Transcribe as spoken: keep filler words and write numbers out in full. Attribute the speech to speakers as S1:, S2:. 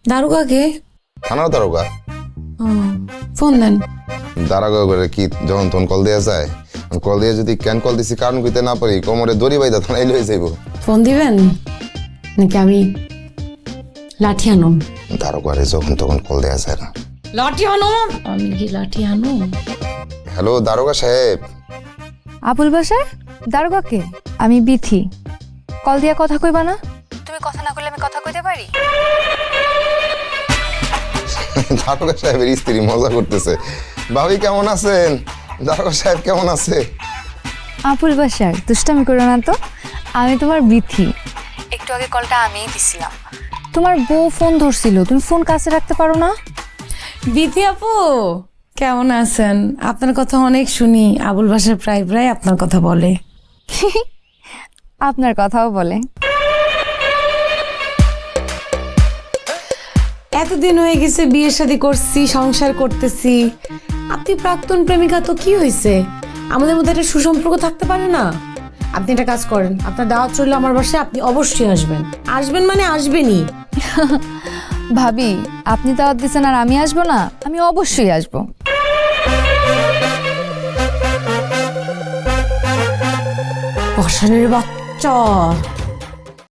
S1: দারোগাকে?
S2: থানার দারোগা।
S1: ফোন দেন।
S2: দারোগা করে কি যখন তখন কল দেওয়া যায়? কল দিয়ে যদি ক্যান কল দিছি কারণ কইতে না পারি কোমরে দড়ি বাইদা থানায় লয়ে যাইব।
S1: ফোন দিবেন নাকি আমি লাঠি আনুম?
S2: দারোগারে যখন তখন কল দেওয়া যায় না।
S1: লাঠি আনুম? আমি কি লাঠি আনুম?
S2: হ্যালো দারোগা সাহেব।
S3: আবুল বাসার দারোগাকে? আমি বিথি। কল দিয়া কথা কইবা না? তুমি কথা না কইলে আমি কথা কইতে পারি?
S2: দারোগা সাহেবের স্ত্রী মজা করতেছে। ভাবি কেমন আছেন? দারোগা সাহেব কেমন আছে?
S3: আবুল বাসার দুষ্টামি করো না তো। আমি তোমার বিথি। একটু আগে কলটা আমিই দিছিলাম। তোমার বউ ফোন ধরছিল, তুমি ফোন কাছে রাখতে পারো না?
S1: বিথি আপু কেমন আছেন? আপনার কথা অনেক শুনি, আবুল বাসার প্রায় প্রায় আপনার কথা বলে।
S3: আপনার কথাও বলে।
S1: এতদিন হয়ে গেছে বিয়ে শাদী করছি, সংসার করতেছি, আপনি প্রাক্তন প্রেমিকা, তো কি হয়েছে? আমাদের মধ্যে একটা সুসম্পর্ক থাকতে পারে না? আপনি একটা কাজ করেন, আপনার দাওয়াত চললে আমার বাসায়, আপনি অবশ্যই আসবেন। আসবেন মানে আসবেনই।
S3: ভাবি আপনি দাওয়াত দিচ্ছেন আর আমি আসবো না? আমি অবশ্যই আসবো।
S1: বসানের বাচ্চা।